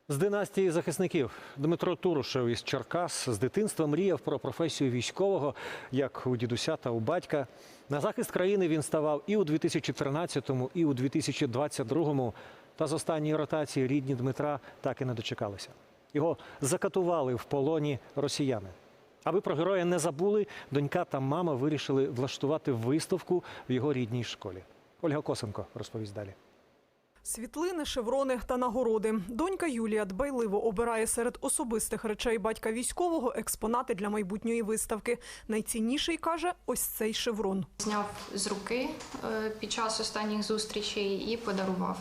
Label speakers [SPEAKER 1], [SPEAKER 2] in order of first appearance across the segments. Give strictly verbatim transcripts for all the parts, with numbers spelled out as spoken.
[SPEAKER 1] З династії захисників Дмитро Турушев із Черкас з дитинства мріяв про професію військового, як у дідуся та у батька. На захист країни він ставав і у дві тисячі тринадцятому, і у дві тисячі двадцять другому. Та з останньої ротації рідні Дмитра так і не дочекалися. Його закатували в полоні росіяни. Аби про героя не забули, донька та мама вирішили влаштувати виставку в його рідній школі. Ольга Косенко розповість далі.
[SPEAKER 2] Світлини, шеврони та нагороди. Донька Юлія дбайливо обирає серед особистих речей батька військового експонати для майбутньої виставки. Найцінніший, каже, ось цей шеврон.
[SPEAKER 3] Зняв з руки під час останніх зустрічей і подарував.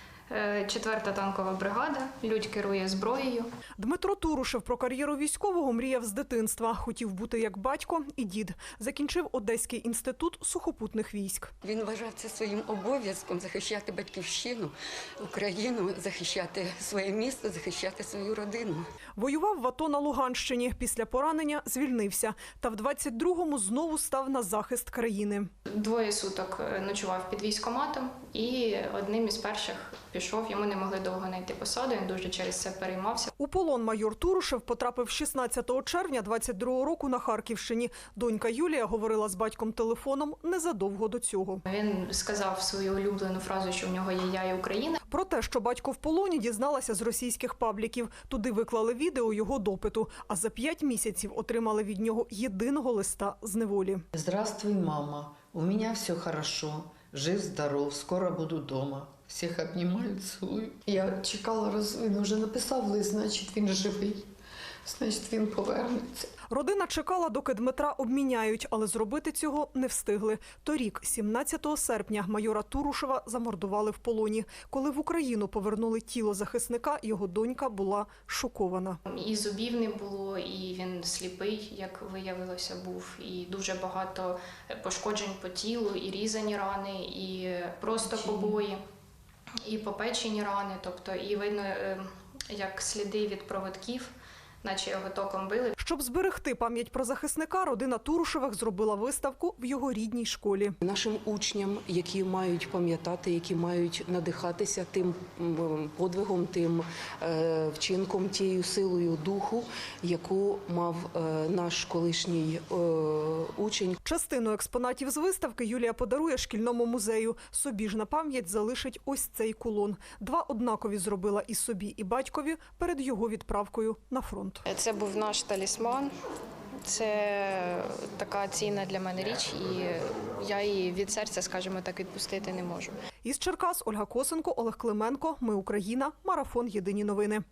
[SPEAKER 3] Четверта танкова бригада, Людь керує зброєю.
[SPEAKER 2] Дмитро Турушев про кар'єру військового мріяв з дитинства. Хотів бути як батько і дід. Закінчив Одеський інститут сухопутних військ.
[SPEAKER 4] Він вважав це своїм обов'язком захищати батьківщину, Україну, захищати своє місто, захищати свою родину.
[SPEAKER 2] Воював в АТО на Луганщині. Після поранення звільнився. Та в двадцять другому знову став на захист країни.
[SPEAKER 3] Двоє суток ночував під військкоматом і одним із перших пішов. Йому не могли довго знайти посаду, він дуже через це переймався.
[SPEAKER 2] У полон майор Турушев потрапив шістнадцятого червня двадцять другого року на Харківщині. Донька Юлія говорила з батьком телефоном незадовго до цього.
[SPEAKER 3] Він сказав свою улюблену фразу, що в нього є «Я і Україна».
[SPEAKER 2] Про те, що батько в полоні, дізналася з російських пабліків. Туди виклали відео його допиту, а за п'ять місяців отримали від нього єдиного листа з неволі.
[SPEAKER 5] Здравствуй, мама. У меня все хорошо. Жив, здоров, скоро буду дома. Всіх обнімаю, цілую.
[SPEAKER 6] Я чекала, роз... він вже написав лист, значить він живий, значить він повернеться.
[SPEAKER 2] Родина чекала, доки Дмитра обміняють, але зробити цього не встигли. Торік, сімнадцятого серпня, майора Турушева замордували в полоні. Коли в Україну повернули тіло захисника, його донька була шокована.
[SPEAKER 3] І зубів не було, і він сліпий, як виявилося, був. І дуже багато пошкоджень по тілу, і різані рани, і просто побої, і попечені рани. Тобто, і видно, як сліди від проводків, наче його током били.
[SPEAKER 2] Щоб зберегти пам'ять про захисника, родина Турушевих зробила виставку в його рідній школі.
[SPEAKER 7] Нашим учням, які мають пам'ятати, які мають надихатися тим подвигом, тим вчинком, тією силою духу, яку мав наш колишній учень.
[SPEAKER 2] Частину експонатів з виставки Юлія подарує шкільному музею. Собі ж на пам'ять залишить ось цей кулон. Два однакові зробила і собі, і батькові перед його відправкою на фронт.
[SPEAKER 3] Це був наш талісман. Це така цінна для мене річ, і я її від серця, скажімо так, відпустити не можу.
[SPEAKER 2] Із Черкас Ольга Косенко, Олег Клименко. Ми Україна. Марафон. Єдині новини.